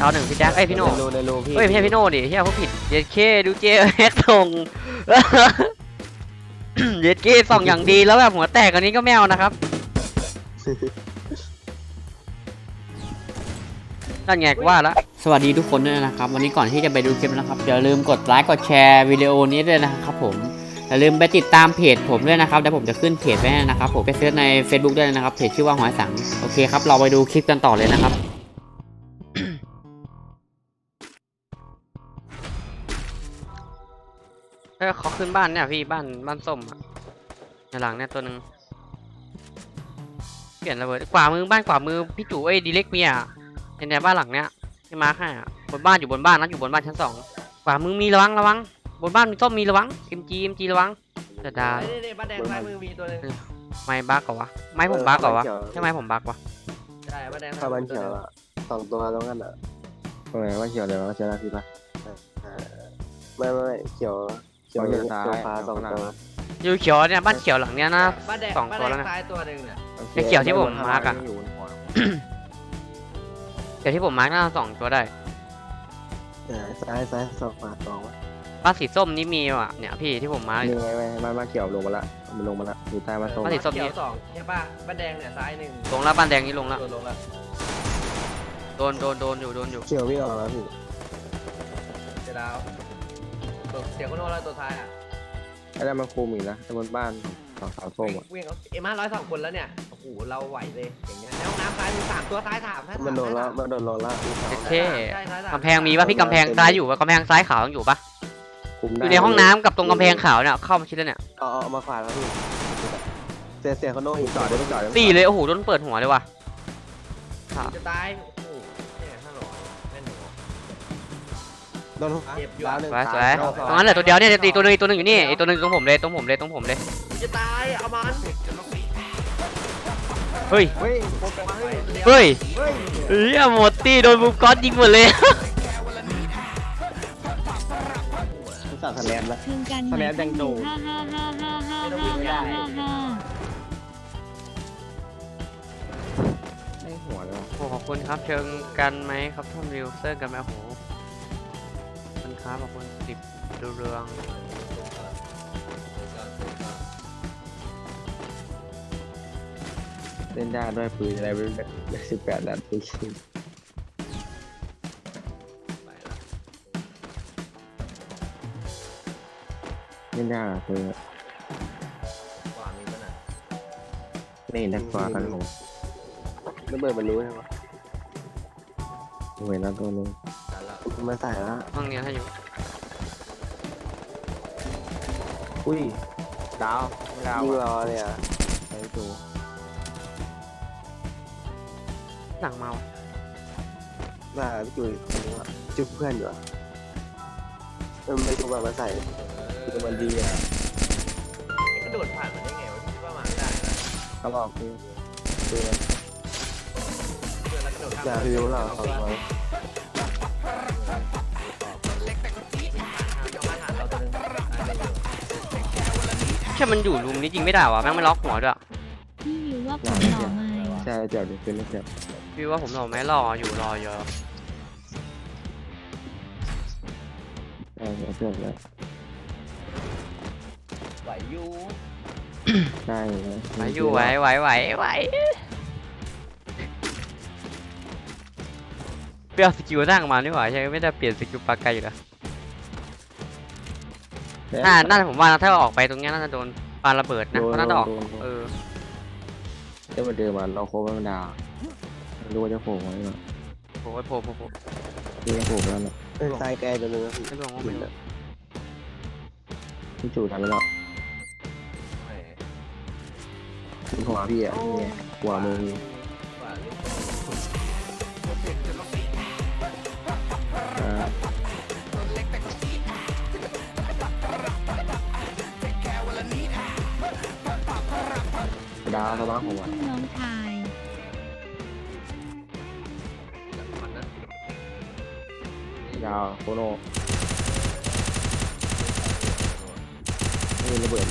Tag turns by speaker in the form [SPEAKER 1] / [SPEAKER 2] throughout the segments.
[SPEAKER 1] ดาวหนึ่งพี่แจ็คไอพี่โน่
[SPEAKER 2] ในรูพี่
[SPEAKER 1] เฮ้ยไม่ใช่พี่โน่ดิเฮียเขาผิดเย็ดเคดูเจแฮกส่ง เย็ดเคส่องอย่างดีแล้วแบบหัวแตกอันนี้ก็แมวนะครับนั่นไงว่าแล้วสวัสดีทุกคนด้วยนะครับวันนี้ก่อนที่จะไปดูคลิปนะครับอย่าลืมกดไลค์กดแชร์วิดีโอนี้ด้วยนะครับผมอย่าลืมไปติดตามเพจผมด้วยนะครับเดี๋ยวผมจะขึ้นเพจไว้นะครับผมไปเซิร์ชใน Facebook ด้วยนะครับเพจชื่อว่าหอยสังโอเคครับเราไปดูคลิปกันต่อเลยนะครับเขาขึ้นบ้านเนี่ยพี่บ้านส้มอะในหลังเนี่ยตัวหนึ่งเปลี่ยนระเบิดขวามือบ้านขวามือพี่จู่ดีเล็กเมียในบ้านหลังเนี้ยที่มาร์คให้อะบนบ้านอยู่บนบ้านนะอยู่บนบ้านชั้น2ขวามือมีระวังบนบ้านมีส้มมีระวังMGระวังจะดา
[SPEAKER 2] บ้านแดงซ้ายมือมีตัวนึง
[SPEAKER 1] ไม่บักเหรอวะไม่ผมบักเหรอวะใช่ไหมผมบักวะ
[SPEAKER 2] ใช่บ้านแดง
[SPEAKER 3] ถ้าบ้านเขียวอะ2 ตัวตรงนั้นอ่ะตรงไหนบ้านเขียวเดี๋ยวเราจะได้พี่ปะไม่เขียวฟ้า2 ตัว
[SPEAKER 1] อยู่เขียวเนี่ยบ้านเขียวหลังเนี้ยนะ2 ตัวแล้วนะ
[SPEAKER 2] ซ้ายตัวนึงเนี่ย
[SPEAKER 1] ไอเขียวที่ผมมาร์กอะเขียวที่ผมมาร์กน่า2 ตัวได้
[SPEAKER 3] ซ้าย2 ขวา 2วะ
[SPEAKER 1] บ้านสีส้มนี่มีว่ะเนี่ยพี่ที่ผมมาร์ก
[SPEAKER 3] ยังไงบ้านเขียวลงมาละมันลงมาละอยู่ใต้บ้านส้ม
[SPEAKER 1] บ้านสีส้ม
[SPEAKER 2] เขีย
[SPEAKER 1] นี่
[SPEAKER 2] ว2ใช่ป่ะบ้านแดงเนี่ยซ้าย1
[SPEAKER 1] ลงแล้วบ้านแดงนี่ลงแล้ว
[SPEAKER 2] ลงแล้ว
[SPEAKER 1] โดนอยู่
[SPEAKER 3] เขียววิ่งออกแล้วพี่
[SPEAKER 2] เดี๋ยวดาวเสียงคนโน้นแล้วตัวท้ายอ่ะ
[SPEAKER 3] ไอ้นั่นมันคุมอีกนะไอ้บนบ้านสาวส้มอ่ะ
[SPEAKER 2] วิ่ง102 คนแล้วเนี่ยโอ้โหเราไหวเลยอย่างเงี้ยในห้องน้ำซ้ายมี3 ตัวซ้าย3
[SPEAKER 3] มันโดนแล้ว
[SPEAKER 1] เท่กำแพงมีป่ะพี่กำแพงซ้ายอยู่ป่ะกำแพงซ้ายขาวยังอยู่ป่ะอยู่ในห้องน้ำกับตรงกำแพงขาวเนี่ยเข้ามาชิดแล้วเนี่ย
[SPEAKER 3] เอามาขวาแล้วพี่เสียเขาโน่อีกจอด
[SPEAKER 1] ตีเลยโอ้โหโดนเปิดหัวเลยว่ะ
[SPEAKER 2] จะตายโอ้โหเนี่ยฮัลโหลแม่นหนู
[SPEAKER 3] โดน
[SPEAKER 1] สวยตรงนั้นเหลือตัวเดียวเนี่ยตีตัวนึงอยู่นี่ตัวนึงตรงผมเลย
[SPEAKER 2] จะตายเอามัน
[SPEAKER 1] เฮ้ยหมดตีโดนบูมก๊อตยิงหมดเลย
[SPEAKER 3] สั่งคะแนนแล้วคะแนนยังโดนไม่หัวเลย
[SPEAKER 1] โอ้ขอบคุณครับเชิงกันไหมครับท่านวิวเซอร์กันไหมโอ้โหมันค้าขอบคุณ10ดูเรือง
[SPEAKER 3] เล่นยากด้วยปืนอะไรไม่รู้18 นัดปืนเล่นยากคือนี่นักกว่ากันผมระเบิดมันรู้ใช่ไหมเห็นแล้วตัวนึงมาใส่แล้ว
[SPEAKER 1] ห้องนี้ให้อยู่
[SPEAKER 3] อุ้ยดาวยิงรอเลยอ่ะไอ้ตัว
[SPEAKER 1] หลังเมา
[SPEAKER 3] ว่าพี่จุ๊ยจุ๊บเพื่อนอยู่อ่ะไม่ถูกมาใส่คือมันดีอ่ะ
[SPEAKER 2] กระโดดผ่านมันได้ไงวะคิดว่ามาไม่ได้นะ
[SPEAKER 3] เขาบอกคืออย่าพิวเรา2 คน
[SPEAKER 1] แค่มันอยู่รูมนี้จริงไม่ได้วะแม่งไม่ล็อกหัวด้วย
[SPEAKER 4] พี่วิวว่าผมหล่อไหม
[SPEAKER 3] ใช่เจ็บดิเป็นเจ็บ
[SPEAKER 1] พี่ว่าผมหล่อไหมรออยู่เยอะ
[SPEAKER 3] เจ็บแล้ว
[SPEAKER 2] ไหวอยู่
[SPEAKER 3] ใช่
[SPEAKER 1] ไหวอยู่ไหวเปลี่ยนสกิลนั่งมานี่หว่าใช่ไม่ได้เปลี่ยนสกิลปากไกลอยู่แล้วน่าจะผมว่าถ้าออกไปตรงนี้น่าจะโดนปาระเบิดนะเพราะน่าจะออก
[SPEAKER 3] จะมาเดินมาเราโค้งมันดารู้ว่าจะโผล่ไหมวะ
[SPEAKER 1] โผล่
[SPEAKER 3] นี่จะโผล่แล้วนะทรายแกตัวนึงนะ
[SPEAKER 1] ไม่ลงก็ไม่ลง
[SPEAKER 3] พี่จู่ทำไม่หรอกหัวพี่อ่ะหัวมือดาวสบายหัว
[SPEAKER 4] น้องชาย
[SPEAKER 3] ดาวโคโน่นี่ระเบิด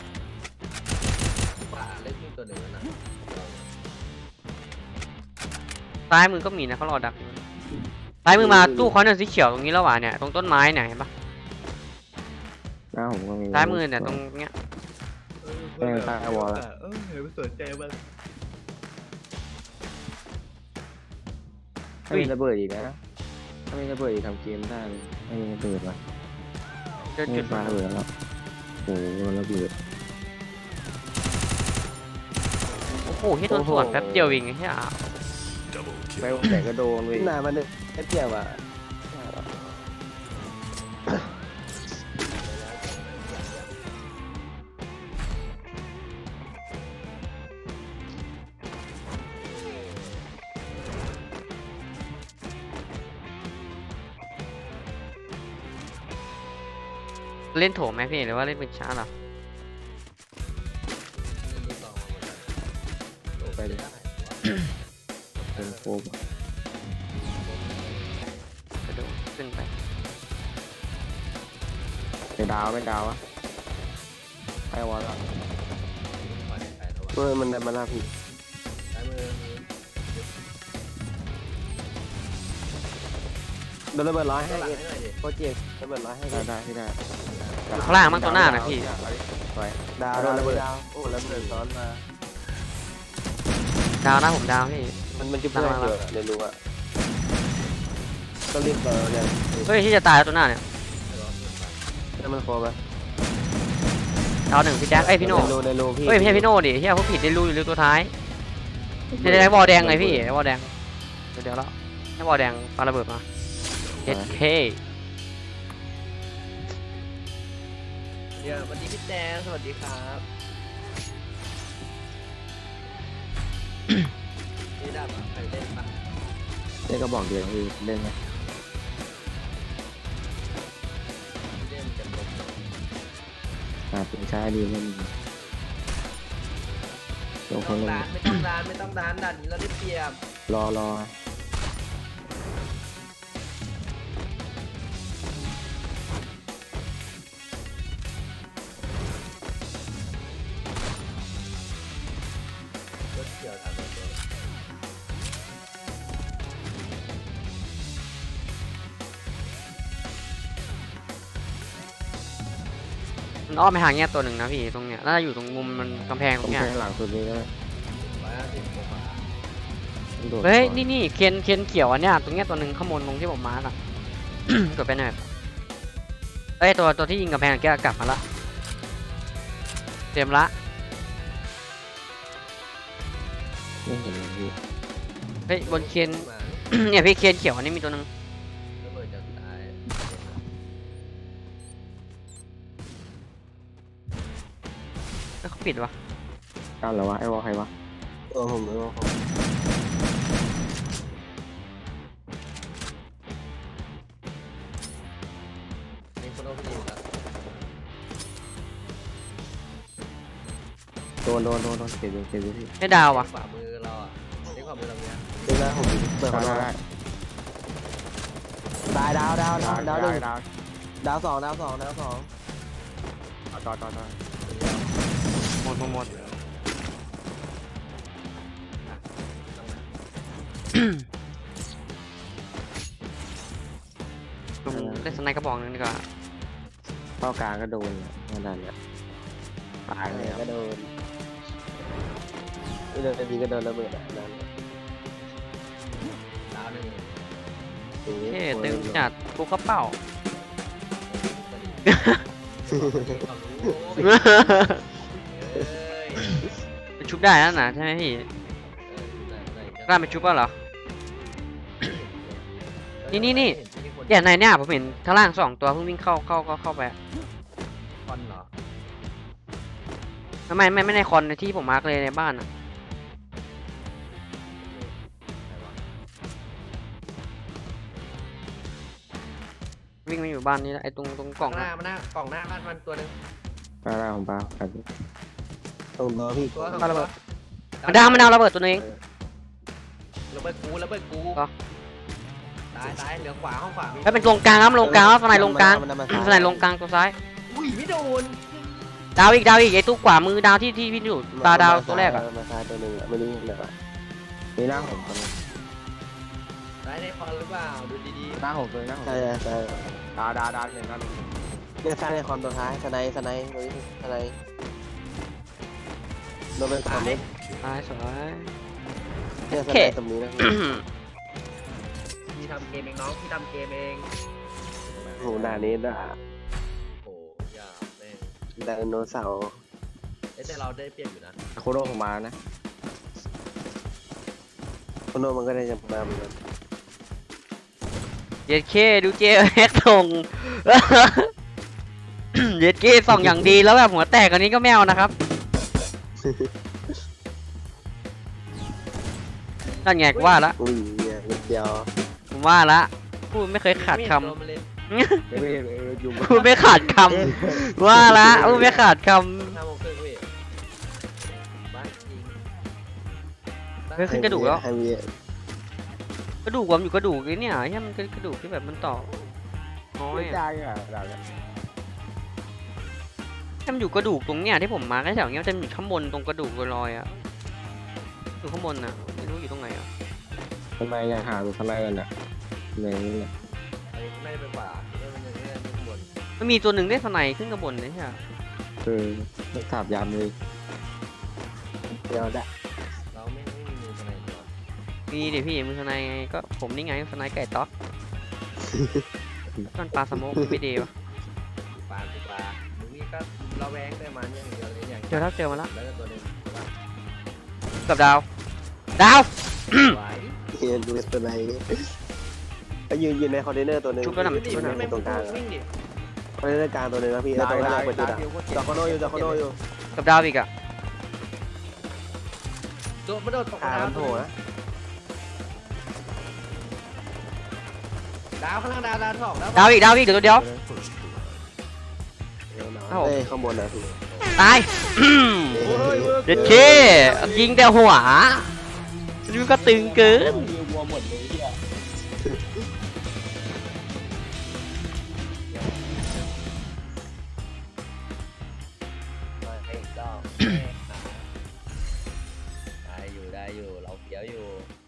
[SPEAKER 2] เล่นตัวหนึ่งนะ
[SPEAKER 1] ซ้ายมือก็มีนะเขารอดักซ้ายมือมาตู้คอนเนอร์สีเขียวตรงนี้แล้วว่ะเนี่ยตรงต้นไม้เนี่ยเห็นปะ
[SPEAKER 3] หน้าผมก็มี
[SPEAKER 1] ซ้ายมือเนี่ยตรงเนี้ย
[SPEAKER 2] เห็นไม่สนใจมัน
[SPEAKER 3] ถ้ามีระเบิดอีกนะถ้ามีระเบิดอีกทำเกมได้เลยไม่มีระเบิดวะ
[SPEAKER 1] เจอ
[SPEAKER 3] ไม่
[SPEAKER 1] จุด
[SPEAKER 3] ปาระเบิดแล้วโอ้โหระเบิด
[SPEAKER 1] โอ้โหที่โดนสวนแป๊บเดียวเองไอ้เหี้ย
[SPEAKER 3] ไปแต่ก็โดนเลย
[SPEAKER 2] หน้ามันเนี่ยแค่เดียวอ่ะ
[SPEAKER 1] เล่นโถมไหมพี่หรือว่าเล่นเป็นช้าเหรอ
[SPEAKER 3] ไปเลยเป็นโฟม
[SPEAKER 1] กระโดดขึ้นไป
[SPEAKER 3] เป็นดาวเป็นดาวอะไปวอลแล้ว
[SPEAKER 2] มันได้มาหน้าพี่โดนระเบิดร้อยให้โปรเจกต์ระเบิดร้อยให้
[SPEAKER 3] ได้ที่ได้
[SPEAKER 1] อยู่ข้างล่างมั้งตัวหน้านะพี่
[SPEAKER 2] ดาวโดนระเบิดโอ้ระเบิดซ้อนมา
[SPEAKER 1] ดาวนะผมดาวพี่
[SPEAKER 2] มันจะเพื่อนเกิดเดี๋ยวรู้อะต้องรีบเปิดเลย
[SPEAKER 1] เฮ้ยที่จะตายแล้วตัวหน้าเนี่ย
[SPEAKER 2] แล้วมันโคไป
[SPEAKER 1] ดาวหนึ่งพี่แจ็คเอ้ยพี่โน่
[SPEAKER 2] ในรูพี่
[SPEAKER 1] เฮ้ยไม่ใช่พี่โน่ดิเฮียเขาผิดได้รู้อยู่รูตัวท้ายในบอลแดงไงพี่บอลแดงเดี๋ยวแล้วให้บอลแดงปาระเบิดมาเอเค
[SPEAKER 2] เดี๋ยวสวัสดีพี่แดงสวัสดีครับนี่ได้ปะใครเล่นปะ
[SPEAKER 3] เล่นก็บอกเดี๋ยวคือเล่นไหม
[SPEAKER 2] เล่นกันลง
[SPEAKER 3] เป็นช้าดีเล่นลง
[SPEAKER 2] ไม่
[SPEAKER 3] ค
[SPEAKER 2] ต้อน ง
[SPEAKER 3] เล่น
[SPEAKER 2] ร้านไม่ต้องร้านไม่ต้องร้านดันนี้เราได้เปรียบ
[SPEAKER 3] รอ
[SPEAKER 2] รถเกี่ยวทางรถเกี่ยว
[SPEAKER 1] มันอ้อมไปทางเนี้ยตัวหนึ่งนะพี่ตรงเนี้ยน่าจะอยู่ตรงมุมมันกำแพงตรง
[SPEAKER 3] ผม
[SPEAKER 1] เนี้ย
[SPEAKER 3] แทงหลังสุดนี้ก็ได้
[SPEAKER 2] 150กว่า
[SPEAKER 1] เฮ้ยนี่เคนเขียวอันเนี้ยตรงเนี้ยตัวหนึ่งข้างบนตรงที่ผมมาร์กอะ กดไปหน่อยเอ้ยตัวที่ยิงกำแพงแกกลับมาละเต็มละ
[SPEAKER 3] ไม่เห็นเลยพี่
[SPEAKER 1] เฮ้ยบนเคน
[SPEAKER 2] มา
[SPEAKER 1] เนี่ยพี่เคนเขียวอันนี้มีตัวหนึ่ง
[SPEAKER 2] ระเบิดจะตาย
[SPEAKER 1] แล้วเขาปิดวะ
[SPEAKER 3] ก้าวเหรอวะไอ้วอลใครวะ
[SPEAKER 2] ผมไม่ว่ามีคนเอาไปยิงแล้ว
[SPEAKER 3] โดนเก็บดูพี่
[SPEAKER 1] ให้ดาววะ
[SPEAKER 2] ขวามือเราอ่ะนี่ขวามือเราเนี้ย
[SPEAKER 3] ได้แล้วผมเปิดมาได้
[SPEAKER 2] ตายดาวหนึ่ง
[SPEAKER 3] ดาว
[SPEAKER 2] ดาวสอง
[SPEAKER 3] ต่อ
[SPEAKER 1] หมด ผมเล่นสไนด์กระบอกหนึงดีกว่า
[SPEAKER 3] เข้ากลางก็โดนเนี่ยนั่นแหละตายเลย
[SPEAKER 2] ก็โดนนี่เลยทีก็โดนระเบิดอ่ะนั่นดาวหนึ่ง
[SPEAKER 1] เท่ตึงจัดกูกระเป๋า ไปชุบได้แล้วนะใช่ไหมพี่กล้าไปชุบป่ะเหรอ นี่เนี่ยในเนี่ยผมเห็นข้างล่าง2 ตัวเพิ่งวิ่งเข้าไปอะ
[SPEAKER 2] คอนเหรอ
[SPEAKER 1] ไม่ในคอนในที่ผมมาร์กเลยในบ้านอะวิ่งมาอยู่บ้านนี้แล้วไอ้ตรงกล่อง
[SPEAKER 2] หน้า
[SPEAKER 1] อะ
[SPEAKER 2] มันหน้ากล่องหน้าบ้านมันตัวหนึ่ง
[SPEAKER 3] ปลาผมปลาครับ
[SPEAKER 2] ตัวพี่ตัว
[SPEAKER 1] มันดาวระเบิดตัวนึง
[SPEAKER 2] ระเบิดกู
[SPEAKER 1] ก็
[SPEAKER 2] ตายเหลือขวาห้องขวา
[SPEAKER 1] แล้วเป็นตรงกลางครับลงกลางครับสไนด์ลงกลางสไนด์ลงกลางตัวซ้าย
[SPEAKER 2] อุ้ยไม่โดน
[SPEAKER 1] ดาวอีกไอ้ตู้ขวามือดาวที่พี่อยู่ตาดาวตัวแรกอะ
[SPEAKER 2] มาซ้ายตัวหนึ่งไม่รู้เลย
[SPEAKER 3] มีร่างผมคน
[SPEAKER 2] ตได้ในคอนหรือเปล่าดูดี
[SPEAKER 5] หน้าผมเลยหน้าผม
[SPEAKER 3] ใช่ใช่
[SPEAKER 5] ดาเห็นกัน
[SPEAKER 3] เนี่ยสร้างในคอมตัวท้ายสไนด์ตัวนี้สไนด์โดนเป็นสามเม็ด
[SPEAKER 1] ตายสวย
[SPEAKER 3] เนี่ยสไนด์ตรงนี้นะ
[SPEAKER 2] ๆพี่ทำเกมเองน้องพี่ทำเกมเอง
[SPEAKER 3] โหหน้านี้ด่า
[SPEAKER 2] โอ้ยาแม่ง
[SPEAKER 3] ไดโนเสาร์
[SPEAKER 2] แต่เราได้เปรียบอยู่นะ
[SPEAKER 5] โคโรผมมานะ
[SPEAKER 3] โคโนมันก็ได้จะมาเหมือนกัน
[SPEAKER 1] เย็ดเคดูเจแฮกส่ง เย็ดเคส่องอย่างดีแล้วแบบหัวแตกอันนี้ก็แมวนะครับนั่นไงกูว่าละ
[SPEAKER 3] อุ้ยเนี่ยนิดเดียว
[SPEAKER 1] ผมว่าละพูดไม่เคยขาดค
[SPEAKER 2] ไม่เห็นโดนมันเลย
[SPEAKER 1] ำ พูดไม่ขาดคำว่าละพูดไม่ขาดค
[SPEAKER 2] 5 โมงครึ่งพี่บ้าจริง
[SPEAKER 1] ำเฮ้ยขึ้นกระดูกแล้ว
[SPEAKER 3] ให้มี
[SPEAKER 1] กระดูกวมอยู่กระดูกนี่เนี่ยใช่มันกระดูกที่แบบมันต่อน้อย
[SPEAKER 5] ไม่
[SPEAKER 1] อะ
[SPEAKER 5] จ้างอ่ะดาว
[SPEAKER 1] ให้มันอยู่กระดูกตรงเนี้ยที่ผมมาร์คไอ้แถวเนี้ยมันจะอยู่ข้างบนตรงกระดูกลอยๆอ่ะอยู่ข้างบนน่ะไม่รู้อยู่ตรงไหนอ่ะ
[SPEAKER 5] ทำไมยังหาตัวทนายกันอ่ะในนี้เนี่ย
[SPEAKER 2] อันนี้ไม่ได้ไปป่าไม่ได้ไม่ได้ข้างบน
[SPEAKER 1] มันมีตัวหนึ่งได้สไนขึ้นข้างบนเลยใช่ไหม
[SPEAKER 5] คือถาบยามเลย
[SPEAKER 3] เดียวได้
[SPEAKER 2] เราไม่มีมือทนายตัว
[SPEAKER 1] มีเดี๋ยวพี่มือสไนไงก็ผมนี่ไงสไนไก่ต๊อกมันปลาสโมกไม่ดีวะ
[SPEAKER 2] ปลามึงนี่ก็ระแวงได้มันอย่างเดียวเลยอย่าง
[SPEAKER 1] เจอแล้วเจอมาแล้ว
[SPEAKER 2] แล้วก็ตัวหนึงว่า
[SPEAKER 1] กับดาวดาว
[SPEAKER 2] ไหว
[SPEAKER 3] เอ็นดูตัวไหนก็ยืนในคอนเทนเนอร์ตัวหนึง
[SPEAKER 1] ชุบแล้วน่ะ
[SPEAKER 2] วิ่งดิ
[SPEAKER 3] ชุบ
[SPEAKER 2] ไม่
[SPEAKER 3] ตรงกลาง
[SPEAKER 2] วิ่งดิ
[SPEAKER 3] คอนเทนเนอร์กลางตัวหนึงนะพี่แล้วตัวแรกไปจุดอ่ะจอคโนอยู่
[SPEAKER 1] กับดาวอีกอ่ะ
[SPEAKER 2] โดดมาโดดตก
[SPEAKER 3] มันโผล่นะ
[SPEAKER 2] ดาวข้างล่างดาวสองแล้ว
[SPEAKER 1] ดาวอีกเดี๋ยวตัวเดียว เอ้า
[SPEAKER 3] เอ้ยข้างบนนะพี่
[SPEAKER 1] ตายเด็ดเคยิงแต่หัวนี่ก็ตึงเกิน
[SPEAKER 2] มาให้อีกรอบได้อยู่เราเฟี้ยวอยู่